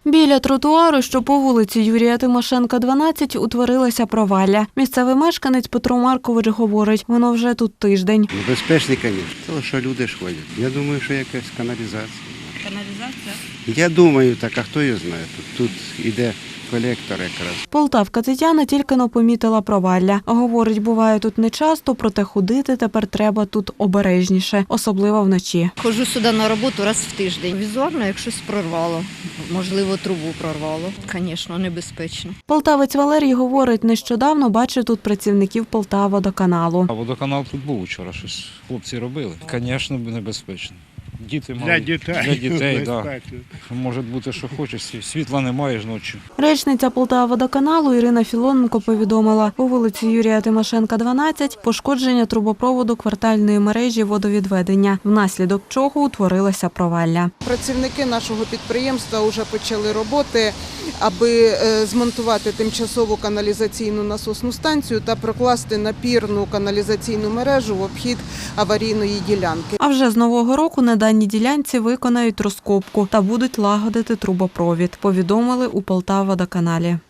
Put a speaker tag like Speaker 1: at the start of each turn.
Speaker 1: Біля тротуару, що по вулиці Юрія Тимошенка, 12, утворилася провалля. Місцевий мешканець Петро Маркович говорить, воно вже тут тиждень.
Speaker 2: Безпечний, звісно, тому що люди ж ходять. Я думаю, що якась каналізація.
Speaker 3: Каналізація?
Speaker 2: Я думаю, так, а хто його знає? Тут іде колектор якраз.
Speaker 1: Полтавка Тетяна тільки-но помітила провалля. Говорить, буває тут нечасто, проте ходити тепер треба тут обережніше, особливо вночі.
Speaker 3: Ходжу сюди на роботу раз в тиждень. Візуально, як щось прорвало, можливо, трубу прорвало. Звісно, небезпечно.
Speaker 1: Полтавець Валерій говорить, нещодавно бачив тут працівників Полтававодоканалу.
Speaker 4: А водоканал тут був вчора, щось хлопці робили. Звісно, небезпечно. Діти мали.
Speaker 2: Для дітей,
Speaker 4: да. Може бути, що хочеш. Світла немає ж ночі.
Speaker 1: Речниця Полтававодоканалу Ірина Філоненко повідомила, по вулиці Юрія Тимошенка, 12, пошкодження трубопроводу квартальної мережі водовідведення, внаслідок чого утворилася провалля.
Speaker 5: Працівники нашого підприємства вже почали роботи, аби змонтувати тимчасову каналізаційну насосну станцію та прокласти напірну каналізаційну мережу в обхід аварійної ділянки.
Speaker 1: А вже з нового року на даній ділянці виконають розкопку та будуть лагодити трубопровід, повідомили у Полтававодоканалі.